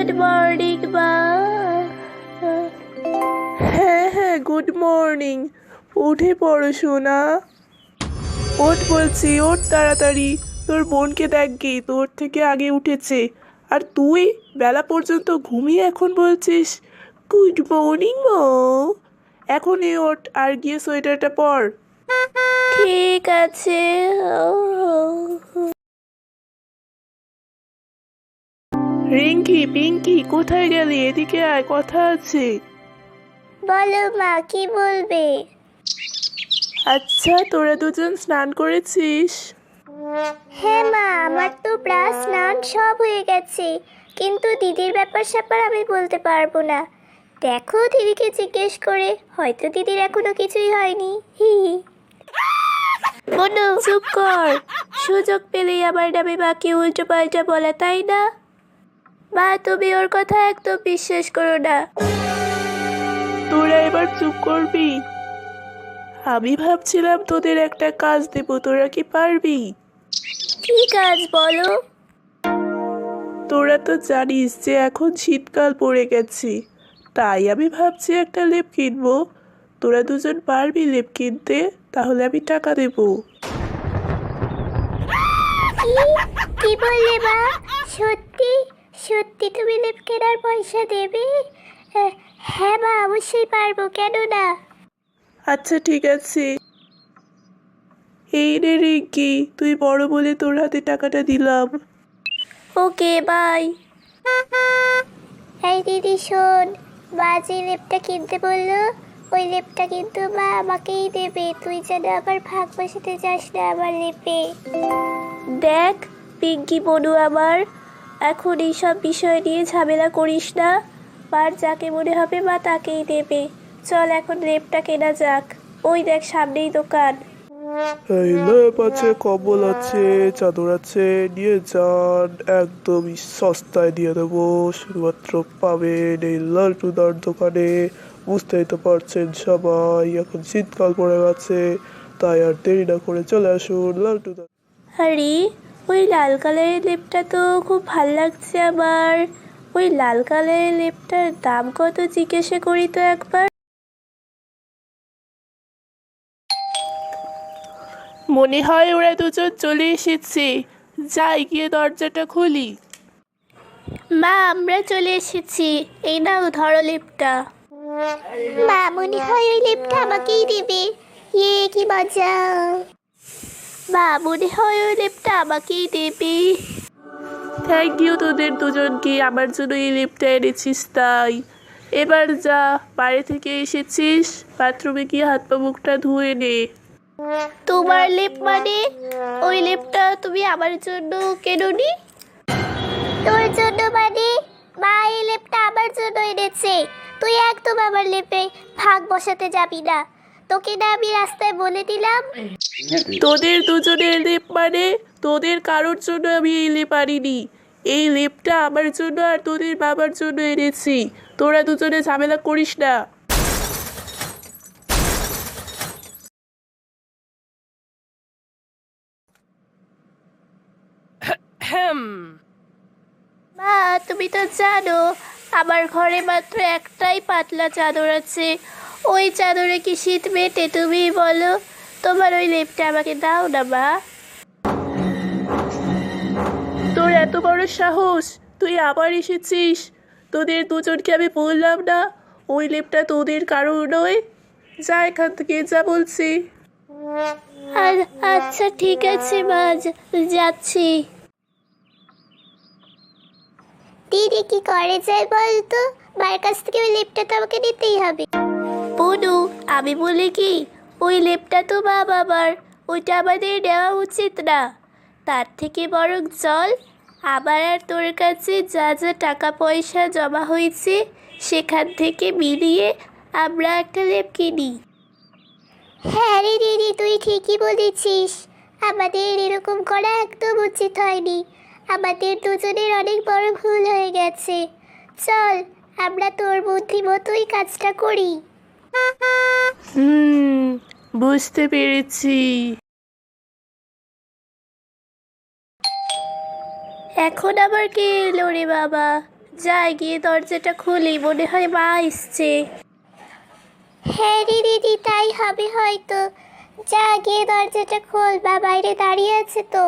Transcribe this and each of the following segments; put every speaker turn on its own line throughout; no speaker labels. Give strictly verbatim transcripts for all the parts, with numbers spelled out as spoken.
Good morning মা।
হ্যাঁ হ্যাঁ গুড মর্নিং। উঠে পড়ো সোনা। ওঠ বলছি, ওঠ তাড়াতাড়ি। তোর বোনকে দেখ গে, তোর থেকে আগে উঠেছে। আর তুই বেলা পর্যন্ত ঘুমিয়ে এখন বলছিস গুড মর্নিং মা। এখনই ওঠ আর গিয়ে সোয়েটারটা পর।
ঠিক আছে।
রিঙ্কি পিঙ্কি কোথায় গেলি? এদিকে আয়, কথা আছে।
বলো মা, কি বলবে?
আচ্ছা তোরা দুজন স্নান করেছিস?
হ্যাঁ মা, আমার তো প্রায় স্নান সব হয়ে গেছে, কিন্তু দিদির ব্যাপার স্যাপার আমি বলতে পারবো না। দেখো দিদিকে জিজ্ঞেস করে, হয়তো দিদির এখনো কিছুই হয়নি। হি হি। বনু চুপ কর। সুযোগ পেলেই আমার নামে মাকে উল্টো পাল্টা বলে, তাই না? মা তুমি ওর কথা একদম বিশ্বাস করো না।
তোরা এবার চুপ করবি? আমি ভাবছিলাম তোদের একটা কাজ দেব, তোরা কি পারবি?
কি কাজ বলো?
তোরা তো জানিস যে এখন শীতকাল পড়ে গেছে, তাই আমি ভাবছি একটা লেপ কিনবো। তোরা দুজন পারবি লেপ কিনতে? তাহলে আমি টাকা দেব।
কি কি বললে মা? সত্যি সত্যি তুমি লেপ কেনার পয়সা দেবে? আহ, হ্যাঁ মা, অবশ্যই পারবো, কেন না।
আচ্ছা ঠিক আছে। এই রে রিঙ্কি, তুই বড় বলে তোর হাতে টাকাটা দিলাম।
Okay bye. এই দিদি শোন, মা যে লেপটা কিনতে বললো, ওই লেপটা কিন্তু মা আমাকেই দেবে। তুই যেন আবার ভাগ বসাতে যাস না আমার লেপে। দেখ পিঙ্কি বনু আমার, এখন এইসব বিষয় নিয়ে ঝামেলা করিস না। মার যাকে মনে হবে মা তাকেই দেবে। চল এখন লেপটা কেনা যাক। ওই দেখ সামনেই দোকান।
এই লেপ আছে, কম্বল আছে, চাদর আছে, নিয়ে যান। একদমই সস্তায় দিয়ে দেবো। শুধুমাত্র পাবেন এই লালটুদার দোকানে। বুঝতেই তো পারছেন সবাই, এখন শীতকাল পড়ে গেছে, তাই আর দেরি না করে চলে আসুন লালটুদা।
আরে ওই লাল কালারের লেপটা তো খুব ভাল লাগছে আমার। ওই লাল কালারের লেপটার দাম কত জিজ্ঞাসা করি তো একবার।
মনে হয় ওরা দুজন চলে এসেছে, যাই গিয়ে দরজাটা খুলি।
মা আমরা চলে এসেছি, এই নাও ধরো লেপটা। মা মনে হয় ওই লেপটা আমাকেই দেবে। ইয়ে কি মজা। মা মনে হয় ওই লেপটা আমাকেই দেবে।
থ্যাংক ইউ তোদের দুজনকে, আমার জন্য এই লেপটা এনেছিস তাই। এবার যা, বাইরে থেকে এসেছিস, বাথরুমে গিয়ে হাত পা মুখটা ধুয়ে নে।
তোমার লেপ মানে? ওই লেপটা তুমি আমার জন্য কেননি? তোর জন্য মানে? মা এই লেপটা আমার জন্য এনেছে। তুই একদম আমার লেপে ভাগ বসাতে যাবি না। তোকে না আমি রাস্তায় বলে দিলাম।
তোদের দুজনের লেপ মানে? তোদের কারোর জন্য আমি এই লেপ আনিনি। এই লেপটা আমার জন্য আর তোদের বাবার জন্য এনেছি। তোরা দুজনে ঝামেলা করিস না।
মা তুমি তো জানো আমার ঘরে মাত্র একটাই পাতলা চাদর আছে। ওই চাদরে কি শীত মেটে তুমি বলো? তোমার ওই লেপটা আমাকে দাও না মা।
তোর এত বড় সাহস, তুই আবার এসেছিস? তোদের দুজনকে আমি বললাম না ওই লেপটা তোদের কারোর নয়? যা এখান থেকে, যা বলছি।
আর আচ্ছা ঠিক আছে মা, যা- যাচ্ছি। দিদি কি করে যায় বলতো? মায়ের কাছ থেকে ওই লেপটা তো আমাকে নিতেই হবে। বনু আমি বলি কি, ওই লেপটা তো মা বাবার, ওইটা আমাদের নেওয়া উচিত না। তার থেকে বরং চল, আমার আর তোর কাছে যা যা টাকা পয়সা জমা হয়েছে সেখান থেকে মিলিয়ে আমরা একটা লেপ কিনি। হ্যাঁ রে দিদি, তুই ঠিকই বলেছিস। আমাদের এরকম করা একদম উচিত হয়নি। আমাদের দুজনের অনেক বড় ভুল হয়ে গেছে। চল আমরা তোর বুদ্ধি মতোই কাজটা করি।
হুম, বুঝতে পেরেছি।
এখন আবার কে এলো রে বাবা? যাই গিয়ে দরজাটা খুলি, মনে হয় মা এসছে। হ্যাঁ রে দিদি, তাই হবে হয়তো। যা গিয়ে দরজাটা খোল, বা বাইরে দাঁড়িয়ে আছে তো।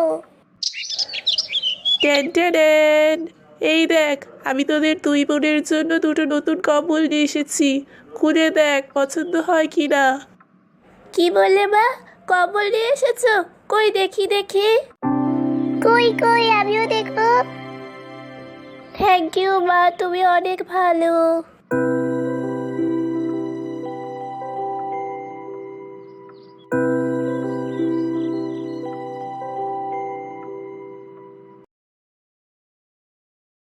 টেন টেন, এই দেখ, আমি তোদের দুই বোনের জন্য দুটো নতুন কম্বল নিয়ে এসেছি। খুলে দেখ পছন্দ হয় কি না।
কি বললে মা? কম্বল নিয়ে এসেছো? কই দেখি দেখি। কই কই, আমিও দেখবো। থ্যাংক ইউ মা, তুমি অনেক ভালো।